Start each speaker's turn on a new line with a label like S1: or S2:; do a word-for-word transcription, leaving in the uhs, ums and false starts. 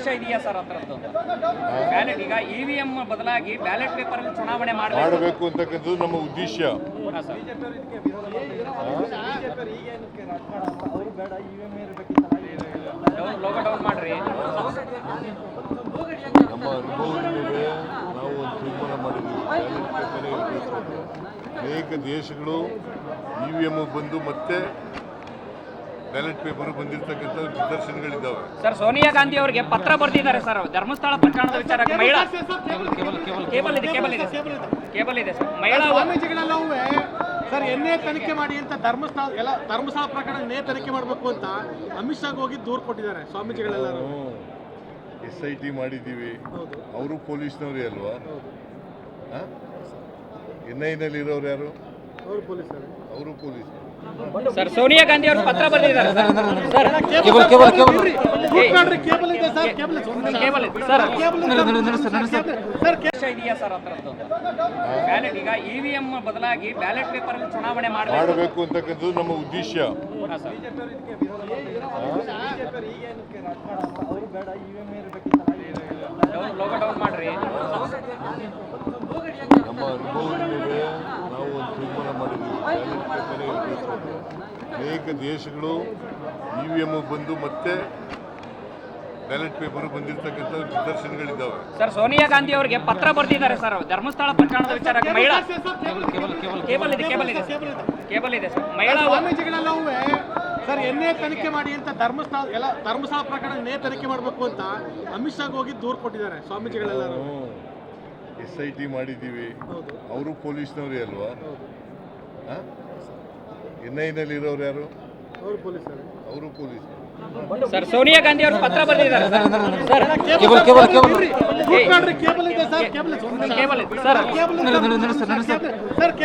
S1: ಉದ್ದೇಶ ಇದೆಯಾ ಸರ್ ಹತ್ರದ್ದು ಬ್ಯಾಲೆಟ್ ಈಗ ಇವಿಎಂ ಬದಲಾಗಿ ಬ್ಯಾಲೆಟ್ ಪೇಪರ್ ಅಲ್ಲಿ ಚುನಾವಣೆ
S2: ಮಾಡಬೇಕು ಅಂತಕ್ಕಂಥದ್ದು ನಮ್ಮ ಉದ್ದೇಶ.
S1: ಲೋಗೋ ಡೌನ್ ಮಾಡ್ರಿ.
S2: ನಮ್ಮ ಅನುಭವದ ಮೇಲೆ ನಾವು ಒಂದು ತೀರ್ಮಾನ ಮಾಡಿದ್ದೀವಿ, ಬ್ಯಾಲೆಟ್ ಪೇಪರೇ ಇರಬೇಕು. ಅನೇಕ ದೇಶಗಳು ಇ ವಿ ಎಮ್ ಬಂದು ಮತ್ತೆ ಬ್ಯಾಲೆಟ್ ಪೇಪರ್ ಬಂದಿರತಕ್ಕಂಥ ನಿದರ್ಶನಗಳಿದ್ದಾವೆ.
S1: ಸರ್ ಸೋನಿಯಾ ಗಾಂಧಿ ಅವರಿಗೆ ಪತ್ರ ಬರೆದಿದ್ದಾರೆ ಸರ್ ಧರ್ಮಸ್ಥಳ ಪ್ರಕರಣದ ವಿಚಾರಕ್ಕೆ. ಮಹಿಳಾ ಕೇಬಲ್ ಇದೆ ಕೇಬಲ್ ಇದೆ ಕೇಬಲ್ ಇದೆ ಸರ್. ಮಹಿಳಾ
S3: ಸ್ವಾಮೀಜಿಗಳೆಲ್ಲವೂ ಸರ್ ಎನ್ನೇ ತನಿಖೆ ಮಾಡಿ ಅಂತ ಧರ್ಮಸ್ಥಳ ಎಲ್ಲ ಧರ್ಮಸ್ಥಳ ಪ್ರಕರಣ ಎನ್ನೇ ತನಿಖೆ ಮಾಡಬೇಕು ಅಂತ ಅಮಿತ್ ಶಾಗ್ ಹೋಗಿ ದೂರು ಕೊಟ್ಟಿದ್ದಾರೆ ಸ್ವಾಮೀಜಿಗಳೆಲ್ಲರೂ.
S2: ಎಸ್ ಐ ಟಿ ಮಾಡಿದ್ದೀವಿ, ಅವರು ಪೊಲೀಸ್ನವರೇ ಅಲ್ವಾ? ಎನ್ ಐನಲ್ಲಿ ಇರೋರು ಯಾರು?
S3: ಅವರು ಪೊಲೀಸರು.
S2: ಅವರು ಪೊಲೀಸ್.
S1: ಸರ್ ಸೋನಿಯಾ ಗಾಂಧಿ ಅವರು ಪತ್ರ ಬರೆದಿದ್ದಾರೆ ಸರ್.
S3: ಕೇಬಲ್ ಇದೆ ಸರ್, ಕೇಬಲ್
S1: ಕೇಬಲ್ ಇದೆ ಸರ್.
S3: ಸರ್
S1: ಇದೆಯಾ ಸರ್ ಹತ್ರದ್ದು ಬ್ಯಾಲೆಟ್ ಈಗ ಇವಿಎಂ ಬದಲಾಗಿ ಬ್ಯಾಲೆಟ್ ಪೇಪರ್ ಅಲ್ಲಿ ಚುನಾವಣೆ
S2: ಮಾಡಬೇಕು ಅಂತಕ್ಕಂಥದ್ದು ನಮ್ಮ ಉದ್ದೇಶ.
S1: ಲೋಗೋ ಡೌನ್ ಮಾಡ್ರಿ.
S2: ನಮ್ಮ ಅನುಭವದ ಮೇಲೆ ನಾವು ಒಂದು ತೀರ್ಮಾನ ಮಾಡಿದ್ದೀವಿ, ಬ್ಯಾಲೆಟ್ ಪೇಪರೇ ಇರಬೇಕು. ಅನೇಕ ದೇಶಗಳು ಇ ವಿ ಎಮ್ ಬಂದು ಮತ್ತೆ ಬ್ಯಾಲೆಟ್ ಪೇಪರ್ ಬಂದಿರತಕ್ಕಂಥ ನಿದರ್ಶನಗಳಿದ್ದಾವೆ.
S1: ಸರ್ ಸೋನಿಯಾ ಗಾಂಧಿ ಅವರಿಗೆ ಪತ್ರ ಬರೆದಿದ್ದಾರೆ ಸರ್ ಧರ್ಮಸ್ಥಳ ಪ್ರಕರಣದ ವಿಚಾರಕ್ಕೆ. ಮಹಿಳಾ ಕೇಬಲ್ ಇದೆ ಕೇಬಲ್ ಇದೆ ಕೇಬಲ್ ಇದೆ ಸರ್. ಮಹಿಳಾ
S3: ಸ್ವಾಮೀಜಿಗಳೆಲ್ಲವೂ ಸರ್ ಎನ್ನೇ ತನಿಖೆ ಮಾಡಿ ಅಂತ ಧರ್ಮಸ್ಥಳ ಎಲ್ಲ ಧರ್ಮಸ್ಥಳ ಪ್ರಕರಣ ಎನ್ನೇ ತನಿಖೆ ಮಾಡಬೇಕು ಅಂತ ಅಮಿತ್ ಶಾಗ್ ಹೋಗಿ ದೂರು ಕೊಟ್ಟಿದ್ದಾರೆ ಸ್ವಾಮೀಜಿಗಳೆಲ್ಲರೂ.
S2: ಎಸ್ ಐ ಟಿ ಮಾಡಿದ್ದೀವಿ, ಅವರು ಪೊಲೀಸ್ನವರೇ ಅಲ್ವಾ? ಎನ್ ಐನಲ್ಲಿ ಇರೋರು ಯಾರು?
S3: ಅವರು ಪೊಲೀಸರು.
S2: ಅವರು ಪೊಲೀಸ್.
S1: ಸರ್ ಸೋನಿಯಾ ಗಾಂಧಿ ಅವರು ಪತ್ರ ಬರೆದಿದ್ದಾರೆ ಸರ್.
S3: ಕೇಬಲ್ ಇದೆ ಸರ್, ಕೇಬಲ್
S1: ಕೇಬಲ್ ಇದೆ ಸರ್.